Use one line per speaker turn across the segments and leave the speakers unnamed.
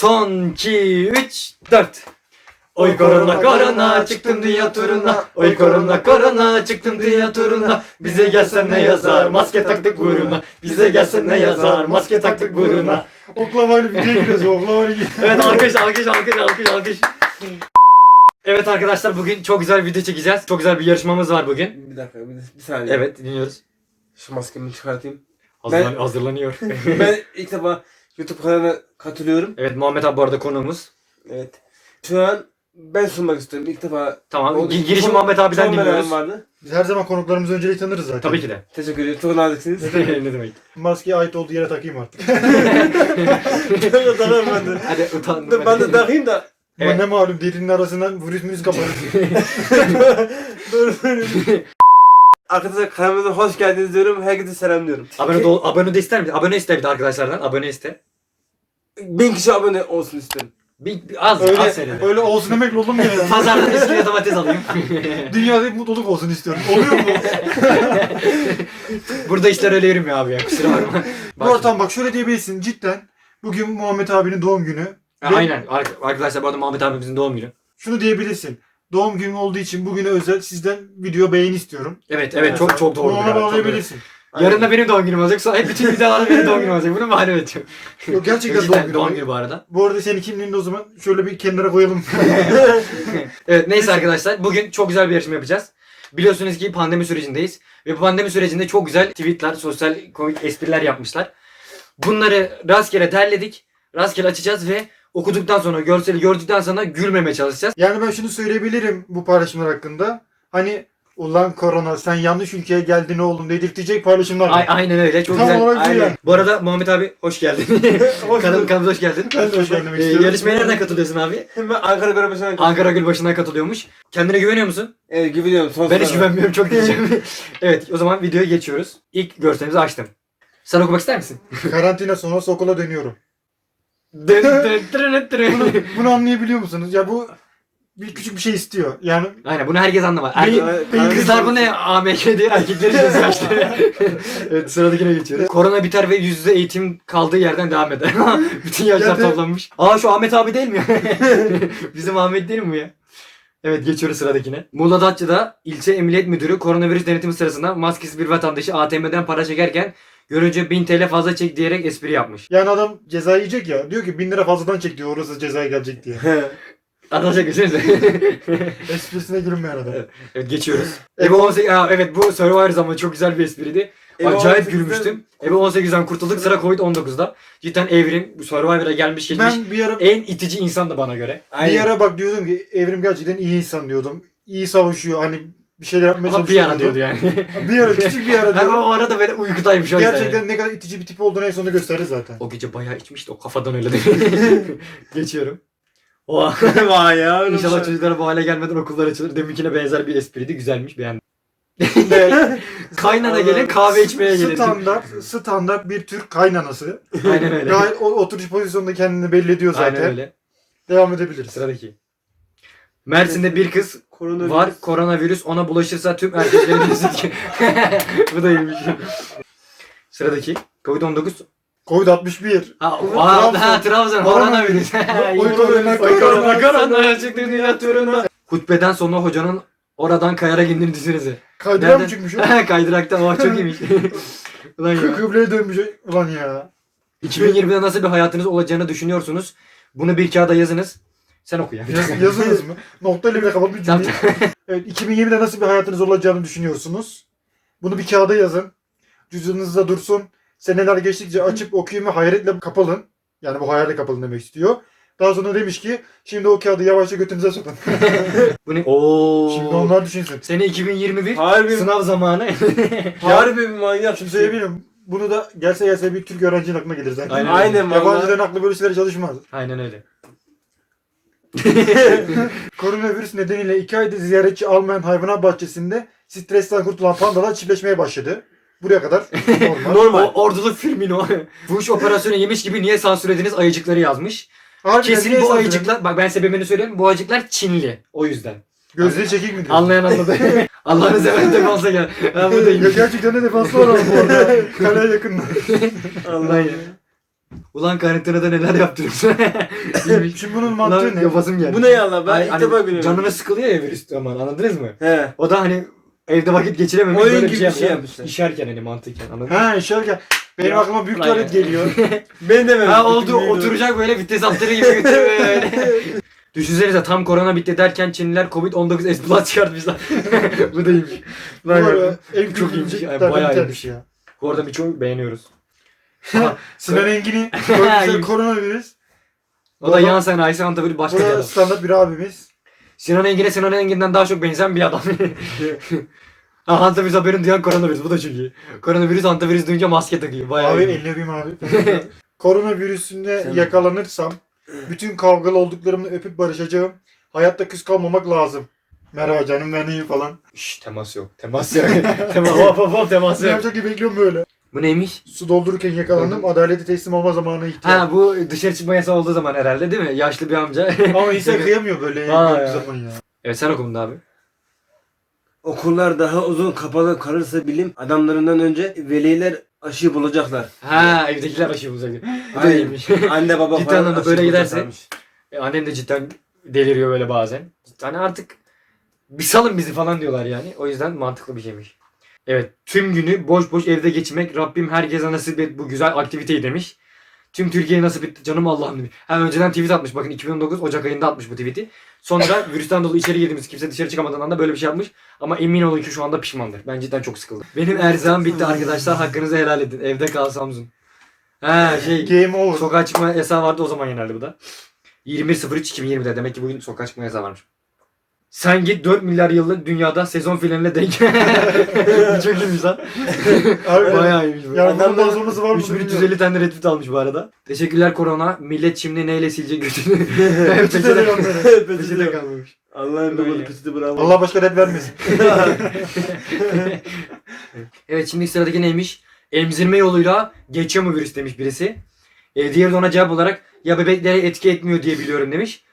Son 2, 3, 4. Oy korona korona çıktım dünya turuna. Oy korona korona çıktım dünya turuna. Bize gelsen ne yazar maske taktık buruna. Bize gelsen ne yazar maske taktık buruna.
Oklamayla bir şey giriyoruz. Oklamayla
Evet, alkış. Evet arkadaşlar, bugün çok güzel bir video çekeceğiz. Çok güzel bir yarışmamız var bugün.
Bir dakika, bir saniye.
Evet, dinliyoruz.
Şu maskemi çıkartayım.
Hazırlanıyor.
Ben ilk defa YouTube kanalına katılıyorum.
Evet, Muhammed abi bu arada konuğumuz.
Evet. Şu an ben sunmak istiyorum. İlk defa.
Tamam, girişi Muhammed abiden
çok
dinliyoruz.
merakım vardı.
Biz her zaman konuklarımızı öncelik tanırız zaten.
Tabii ki de.
Teşekkür ederim. Çok naziksiniz.
Ne demek?
Maskeyi ait olduğu yere takayım artık.
Tanırım ben de.
Hadi utandım.
Ben de takayım da.
Ama
Evet.
ne malum derinin arasından virüs kapanır.
Arkadaşlar kanalımıza hoş geldiniz diyorum. Herkese selam diyorum.
Abone de ister misin? Abone iste bir de arkadaşlardan. Abone iste.
1000 kişi abone olsun istiyorum.
Az
öyle,
seride.
öyle olsun demek olur mu ya?
Pazardan eskiye domates alayım.
Dünyada hep mutluluk olsun istiyorum. Oluyor mu?
Burada işler öyle yürümüyor abi ya, kusura bakma.
Bu ortam bak şöyle diyebilirsin cidden. Bugün Muhammed abinin doğum günü. Ve
Aynen arkadaşlar, bu arada Muhammed abimizin doğum günü.
şunu diyebilirsin. Doğum günü olduğu için bugüne özel sizden video beğeni istiyorum.
Evet çok doğru.
Bunu ona
ya, çok
bağlayabilirsin.
doğru. Yarın da benim doğum günüm olacak. Sonra hep bütün videolarda benim doğum günüm olacak. Bunu bahane edeceğim.
Yok, gerçekten doğum
Cidden
günü.
doğum günü bu arada.
Bu arada senin kimliğini de o zaman şöyle bir kenara koyalım.
Evet, neyse arkadaşlar, bugün çok güzel bir yarışma yapacağız. Biliyorsunuz ki pandemi sürecindeyiz. Ve bu pandemi sürecinde çok güzel tweetler, sosyal komik espriler yapmışlar. Bunları rastgele derledik. Rastgele açacağız ve okuduktan sonra, görseli gördükten sonra gülmemeye çalışacağız.
Yani ben şunu söyleyebilirim bu paylaşımlar hakkında. Hani ulan korona sen yanlış ülkeye geldin oğlum dedirtecek paylaşımlar var.
Aynen öyle, çok
Tam
güzel.
olarak bu
Aynen.
yani.
Bu arada Muhammed abi hoş geldin. Kanalımıza hoş geldin.
Ben de hoş gelmek istiyorum.
Yarışmaya nereden katılıyorsun abi?
Ben Ankara Göremeşi'ne
Ankara Gülbaşı'ndan katılıyormuş. Kendine güveniyor musun?
Evet, güveniyorum.
Ben hiç güvenmiyorum, çok diyeceğim. Evet, o zaman videoya geçiyoruz. İlk görselimizi açtım. Sen okumak ister misin?
Karantina sonrası okula dönüyorum. Bunu anlayabiliyor musunuz? Ya bu bir küçük bir şey istiyor. Yani
Aynen, bunu herkes anlamaz.
Benim-
Kızlar bu ne AMK diye, erkekleri gözyaşları. Evet, sıradakine geçiyoruz. Korona biter ve yüz yüze eğitim kaldığı yerden devam eder. Bütün yaşlar
Gerçekten-
toplanmış. Aa, şu Ahmet abi değil mi? Bizim Ahmet değil mi bu ya? Evet, geçiyoruz sıradakine. Muğla Datça'da ilçe emniyet müdürü koronavirüs denetimi sırasında maskesiz bir vatandaşı ATM'den para çekerken görünce 1000 TL fazla çek diyerek espri yapmış.
yani adam ceza yiyecek ya. Diyor ki 1000 lira fazladan çek diyor orası cezaya gelecek diye.
Anlatacak mısınız?
Esprisine gülünmeyen adam.
Evet, geçiyoruz. Ebe 18... evet, bu Survivor zamanı çok güzel bir espriydi.
Ebe
Acayip
18'den
gülmüştüm. Ebe 18'den kurtulduk, sıra Covid-19'da. Cidden evrim bu Survivor'a gelmiş geçmiş.
Ben bir ara
En itici insandı bana göre.
bak diyordum ki Evrim gerçekten iyi insan diyordum. İyi savaşıyor hani bir şeyler yapmaya
Ama bir
çalışıyor.
yana diyordu yani.
Bir ara küçük bir ara
Ben
diyordu.
o arada böyle uykudaymış o yüzden.
Gerçekten ne kadar itici bir tip olduğunu en sonunda gösterir zaten.
O gece bayağı içmişti, o kafadan öyle değil. Geçiyorum. Oha.
Vay ya.
İnşallah çocuklar bu hale gelmeden okullar açılır. Deminkine benzer bir espriydi, güzelmiş, beğendim. Kaynana gelin kahve içmeye gelin.
Standart bir Türk kaynanası.
Aynen öyle.
Gayet o oturuş pozisyonunda kendini belli ediyor zaten.
Aynen öyle.
Devam edebiliriz.
Sıradaki. Mersin'de bir kız
Koronavirüs.
var, koronavirüs ona bulaşırsa tüm erkeklerin diyorsun ki. Bu da iyiymiş. Sıradaki. Covid-19.
Covid-61.
Trabzon. Koronavirüs.
Oy korona,
Korona çıktı dünya turuna. Hutbeden sonra hocanın oradan kayarak indiğini düşünsenize.
Kaydıra mı çıkmış o?
Kaydıraktan, oh çok iyiymiş. Ulan ya.
Kıbleye dönmüş. Ulan ya.
2020'de nasıl bir hayatınız olacağını düşünüyorsunuz? Bunu bir kağıda yazınız. Sen oku ya.
Yazınız mı? Noktayla bile kapalı bir
Tamam.
cümle. Evet, 2020'de nasıl bir hayatınız olacağını düşünüyorsunuz? Bunu bir kağıda yazın. Cüzdanınızda dursun. Seneler geçtikçe açıp okuyun ve hayretle kapalın. Yani bu hayalle kapalın demek istiyor. Daha sonra demiş ki şimdi o kağıdı yavaşça götünüze sokun.
Bu ne? Oo.
Şimdi onlar düşünsün.
Sene 2021.
Harbi.
Sınav zamanı.
Harbi bir manyak.
Şimdi söyleyebilirim. Bunu da gelse bir Türk öğrencinin aklına gelir zaten.
Aynen.
Aynen valla.
Yabancıların aklı böyle şeylere çalışmaz.
Aynen öyle.
Koronavirüs nedeniyle 2 aydır ziyaretçi almayan hayvanat bahçesinde stresten kurtulan pandalar çiftleşmeye başladı. Buraya kadar normal.
Normal.
O ordulu Firmino. Bu iş operasyonu yemiş gibi niye sansürlediniz ayıcıkları yazmış.
Harbiden
Kesin
niye
bu
sansür
ayıcıklar, bak ben sebebini söyleyeyim. Bu ayıcıklar Çinli. O yüzden.
Gözleri çekik mi diyorsun?
Anlayan anladı. Allah'ını seven defansa gel. Ben
Ya
buradayım.
gerçekten de defanslı var ama bu arada. Kaleye yakın.
Allah.
Ulan karantinada neler yaptırıyorsun? İyiymiş.
Şimdi bunun
Ulan
mantığı ne?
yapasım geldi.
Bu ne ya lan? Ben
Hani-
ilk
hani
defa görüyorum.
canına sıkılıyor ya virüs zaman, anladınız mı?
He.
O da hani evde vakit geçirememiş,
Oyun
böyle
gibi
bir şey,
bir şey
yapıyor.
yapmışlar.
İşerken hani mantıken, anladın mı?
Ha şöyle benim
Ya,
aklıma büyük
ulan
tuvalet
ya.
geliyor.
Ben de
Ha oldu, oturacak böyle vites altları gibi götürüyor böyle. Düşünsenize tam korona bitti derken Çinliler Covid-19 S Plus çıkartmışlar. Bu da iyiymiş.
Bu arada en
çok
çok
iyiymiş.
iyiymiş.
Yani bayağı
Bayağı
iyiymiş.
ya.
Bu arada birçoğu beğeniyoruz. Aha,
Sinan Engin'i
İyiymiş.
koronavirüs.
o da yan sanayisi anlatabilir başka bir
Bu da
adam.
standart bir abimiz.
Sinan Engin'e Sinan Engin'den daha çok benzeyen bir adam. Ha, antivirüs haberini duyan koronavirüs. Bu da çok iyi. Koronavirüs antivirüs duyunca maske takıyor. Bayağı
Abi
iyi.
elini öpeyim abi. Koronavirüsünde
Sen-
yakalanırsam bütün kavgalı olduklarımla öpüp barışacağım. Hayatta küs kalmamak lazım. Merhaba canım ben iyiyim falan.
Şşş temas yok. Temas yok. Hop hop hop temas
Ne
yok.
yapacak gibi bekliyorum böyle.
Bu neymiş?
Su doldururken yakalandım. Adalete teslim olma zamanı ihtiyaç.
Ha bu dışarı çıkma yasağı olduğu zaman herhalde değil mi? Yaşlı bir amca.
Ama insan kıyamıyor böyle
Aa
bir
ya.
zaman ya.
Evet sen okudun abi.
Okullar daha uzun kapalı kalırsa bilim adamlarından önce veliler aşıyı bulacaklar.
Ha evdekiler aşı bulacak. Bu da
Aynen.
iyiymiş.
Anne baba
Cidden
falan
anlamda
aşı
böyle giderse-
bulacaklarmış.
Annem de cidden deliriyor böyle bazen. Hani artık bir salın bizi falan diyorlar yani. O yüzden mantıklı bir şeymiş. Evet. Tüm günü boş boş evde geçirmek Rabbim herkese nasip et bu güzel aktiviteyi demiş. Tüm Türkiye'ye nasip etti canım Allah'ım demiş. Hem önceden tweet atmış bakın 2019 Ocak ayında atmış bu tweet'i. Sonra virüsten dolayı içeri girdiğimiz kimse dışarı çıkamadığından da böyle bir şey yapmış. Ama emin olun ki şu anda pişmandır. Ben cidden çok sıkıldım. Benim erzağım bitti arkadaşlar. Hakkınızı helal edin. Evde kal Samsun. Ha şey
Game over.
sokağa çıkma yasağı vardı o zaman yenerli bu da. 21.03.2020'de demek ki bugün sokağa çıkma yasağı varmış. Sen git 4 milyar yıllık dünyada sezon finaline denk. Bu çok iyiymiş lan.
Abi,
Bayağı iyiymiş bu.
yani bundan
Adamlar-
sonrası var mı?
3350 tane retweet almış bu arada. Teşekkürler korona. Millet şimdi neyle silecek götünü.
Peçete de onları.
Peçete kalmamış.
Allah'ın
Böyle.
babalı peçete bravo.
Allah başka red vermesin.
Evet şimdi sıradaki neymiş? Emzirme yoluyla geçiyor mu virüs demiş birisi. Diğeri de ona cevap olarak ya bebeklere etki etmiyor diye biliyorum demiş.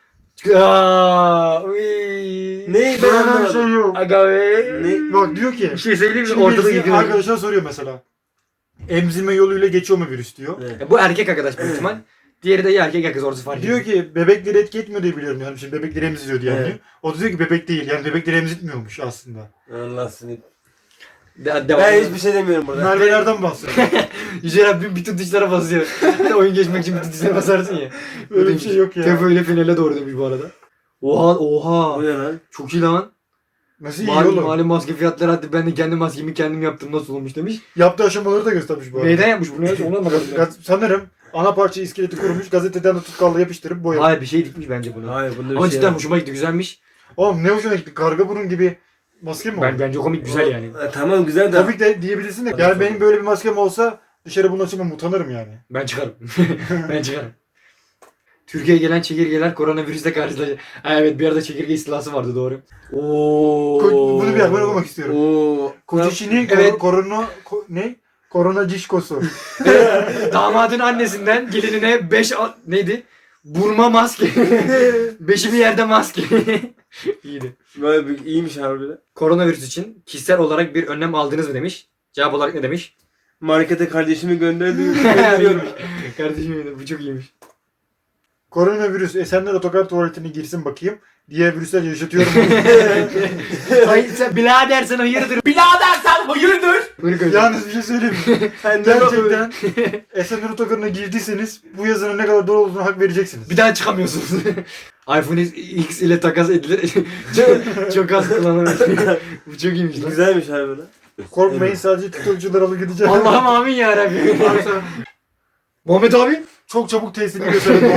Aa, uy.
Ne? Ben
Böyle bir
anlamadım.
şey yok.
Aga be.
Ne?
Bak diyor ki.
Bir şey söyleyeyim mi?
Şimdi
Ortada
birisi
gidiyor.
arkadaşlar soruyor mesela. Emzirme yoluyla geçiyor mu virüs diyor.
Evet.
Bu erkek arkadaş büyük ihtimal. Diğeri de ya erkek ya kız orası fark
Diyor
ediyor.
ki bebekleri etki etmiyor diye biliyorum yani. Şimdi bebekleri emziriyor diye
Evet.
anlıyor. O da diyor ki bebek değil. Yani bebekleri emzirtmiyormuş aslında.
Allah seni.
Devam.
Ben hiçbir şey demiyorum burada.
Merve'lerden bahsediyor.
Yüce Rabbim bütün tuşlara basıyor. Oyun geçmek için bütün tuşlara basarsın ya.
Öyle bir şey yok ya.
Tepo ile finale doğru demiş bu arada. Oha oha.
Bu ne lan?
Çok iyi lan.
Nasıl iyi
Malum,
oğlum?
malum maske fiyatları hadi ben de kendi maskemi kendim yaptım nasıl olmuş demiş.
Yaptığı aşamaları da göstermiş bu arada.
Neyden yapmış bunu? Onu anlamadım. ben.
Sanırım ana parça iskeleti kurmuş. Gazeteden de tutkalla yapıştırıp boyamış.
Hayır bir şey dikmiş bence bunu.
Hayır bunda bir
Ama
şey
cidden
yok.
hoşuma gitti güzelmiş.
Oğlum ne hoşuna gitti. Karga burun gibi maske mi oldu?
Bence komik güzel yani.
Tamam güzel de.
Komik de diyebilirsin de. Yani benim böyle bir maskem olsa dışarı bunu açamam utanırım yani.
Ben çıkarım. Ben çıkarım. Türkiye'ye gelen çekirgeler koronavirüsle karşılaşacak. Ha, evet bir arada çekirge istilası vardı doğru. Oo.
Bunu bir haber okumak istiyorum.
Oo.
Koçişini
Evet.
ne? Korona cişkosu.
Damadın annesinden gelinine 5 neydi? Burma maske. Beşi bir yerde maske. İyiydi.
Böyle bir iyiymiş harbiden.
Koronavirüs için kişisel olarak bir önlem aldınız mı demiş. Cevap olarak ne demiş?
Markete kardeşimi gönderiyorum.
Kardeşim bu çok iyiymiş.
Koronavirüs Esenler Otogar tuvaletine girsin bakayım. Diğer virüsler yaşatıyorum.
Ay sen birader sen hayırdır? Birader sen hayırdır?
Yalnız bir şey söyleyeyim mi?
Sen de bak öyle.
Gerçekten Esenler Otogarı'na girdiyseniz bu yazının ne kadar doğru olduğunu hak vereceksiniz.
Bir daha çıkamıyorsunuz. iPhone X ile takas edilir. çok az kullanılır. Bu çok iyiymiş lan.
Güzelmiş harbiden.
Korkmayın sadece TikTokçular alı gideceğim.
Allah'ım amin ya Rabbi. Muhammed abi.
Çok çabuk testini gösterin.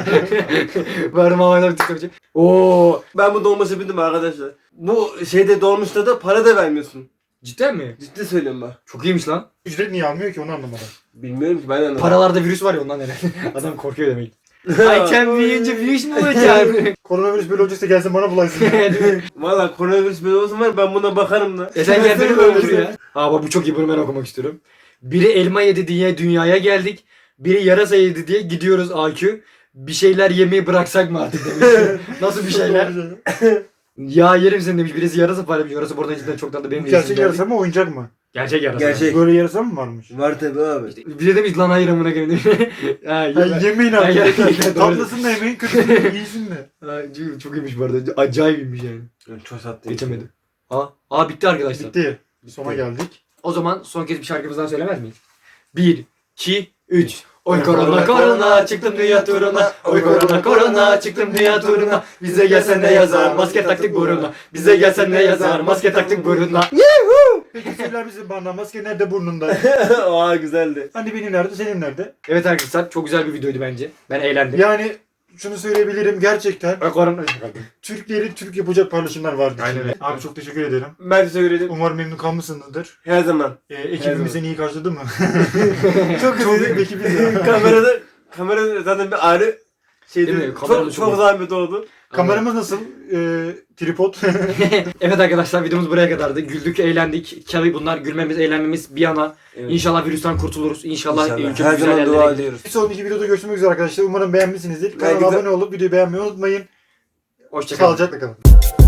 Verdim Muhammed abi TikTokçu. Oo.
Ben bu dolmuşa bindim arkadaşlar. Bu şeyde dolmuşta da para da vermiyorsun.
Cidden mi?
Ciddi söylüyorum bak.
Çok iyiymiş lan.
Ücret niye almıyor ki onu anlamadım.
Bilmiyorum ki ben de anlamadım.
Paralarda virüs var ya ondan herhalde. Adam korkuyor demek. Ay sen büyüyünce virüs mü olacak?
Koronavirüs böyle olacaksa gelsin bana bulaysın.
Valla koronavirüs böyle olsun var ben buna bakarım da.
Sen kendini öldür ya. Aa bak bu çok iyi bunu ben okumak istiyorum. Biri elma yedi diye dünyaya geldik. Biri yarasa yedi diye gidiyoruz AQ. Bir şeyler yemeyi bıraksak mı artık demiş. Nasıl bir şeyler? Ya yerim seni demiş. Birisi yarasa paylaşmış. Yarasa buradan cidden çok tatlı. Benim de
Gerçek
yesim
yarasa
geldi.
mı oyuncak mı?
Gerçek yarasa.
Gerçek.
Böyle yarasa mı varmış?
Var tabi abi.
Bize demiş lan hayır amına koyayım demiş. Ha,
Ha,
yeme.
yemeyin
Ha,
abi.
doğru.
Tatlısın da yemeyin, kötüsün de iyisin de.
Ha, çok iyiymiş bu arada. Acayip iyiymiş yani.
Çok tatlı.
Geçemedim. Bitti arkadaşlar.
Bitti. Sona geldik.
O zaman son kez bir şarkımızdan söylemez miyiz? 1, 2, 3. Oy
Oy
korona
korona,
korona çıktım dünya turuna. Oy korona korona çıktım dünya turuna. Bize gelsen ne yazar maske taktık buruna. Bize gelsen ne yazar maske taktık buruna.
Peki söyler misin bana maske nerede burnunda?
Aa güzeldi.
Hani benim nerede, senin nerede?
Evet arkadaşlar çok güzel bir videoydu bence. Ben eğlendim.
Yani şunu söyleyebilirim gerçekten
Oy korona.
Türklerin Türk yapacak paylaşımlar vardı.
Aynen
içinde.
öyle.
Abi çok teşekkür ederim.
Ben teşekkür ederim.
Umarım memnun kalmışsınızdır.
Her zaman.
Ekibimiz seni iyi karşıladı mı?
Çok
Çok
güzel.
büyük bir ekibiz ya.
Kamerada zaten bir ayrı şeydi.
Değil mi? Kamerada
Çok,
çok
çok
iyi.
zahmet oldu.
Kameramız nasıl? Tripod.
Evet arkadaşlar videomuz buraya kadardı. Güldük, eğlendik. Tabii bunlar gülmemiz, eğlenmemiz bir yana.
Evet.
İnşallah virüsten kurtuluruz. İnşallah,
İnşallah.
çok
Her
güzel
zaman
yerlere
dua
gideriz.
ediyoruz.
Bir sonraki videoda görüşmek üzere arkadaşlar. Umarım beğenmişsinizdir. Kanala
Belki de-
abone olup videoyu beğenmeyi unutmayın.
Hoşçakalın.
Sağlıcakla kalın.